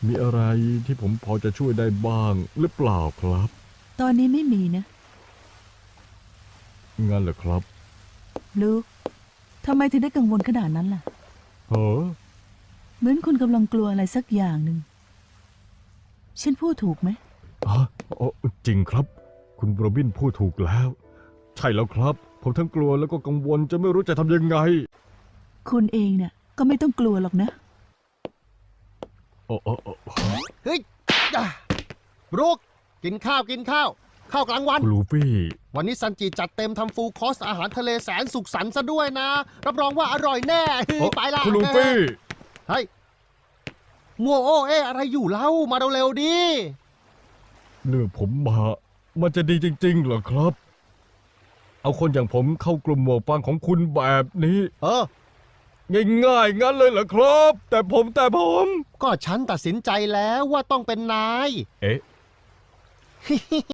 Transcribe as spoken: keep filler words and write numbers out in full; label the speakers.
Speaker 1: มีอะไรที่ผมพอจะช่วยได้บ้างหรือเปล่าครับ
Speaker 2: ตอนนี้ไม่มีนะ
Speaker 1: งั้นเหรอครับ
Speaker 2: ลูกทำไมถึงได้กังวลขนาดนั้นล่ะ
Speaker 1: เฮ้อ
Speaker 2: เหมือนคุณกำลังกลัวอะไรสักอย่างหนึ่งฉันพูดถูกไหม
Speaker 1: ฮะอ๋อจริงครับ คุณโรบินพูดถูกแล้ว ใช่แล้วครับ ผมทั้งกลัวแล้วก็กังวลจะไม่รู้จะทำยังไง
Speaker 2: คุณเองเนี่ยก็ไม่ต้องกลัวหรอกนะ
Speaker 1: โอ้โอ้โอ้
Speaker 3: เฮ้ยอ่ะรุกกินข้าวกินข้าว ข้าวกลางวัน
Speaker 1: คุณลูฟี่
Speaker 3: วันนี้ซันจิจัดเต็มทำฟูลคอร์สอาหารทะเลแสนสุขสันต์ซะด้วยนะ รับรองว่าอร่อยแน่เฮ้ย
Speaker 1: เอ้อ
Speaker 3: ไปละ
Speaker 1: คุณลูฟี่
Speaker 3: เฮ้ยมัวโอ้เอ๊ะอะไรอยู่เล่ามาเร็วๆดิ
Speaker 1: เนื้อผมมามันจะดีจริงๆเหรอครับ เอาคนอย่างผมเข้ากลุ่มหมวกฟางของคุณแบบนี้
Speaker 3: เออ
Speaker 1: ง่ายๆงั้นเลยเหรอครับ แต่ผมแต่ผม
Speaker 3: ก็ฉันตัดสินใจแล้วว่าต้องเป็นนาย
Speaker 1: เอ๊ะ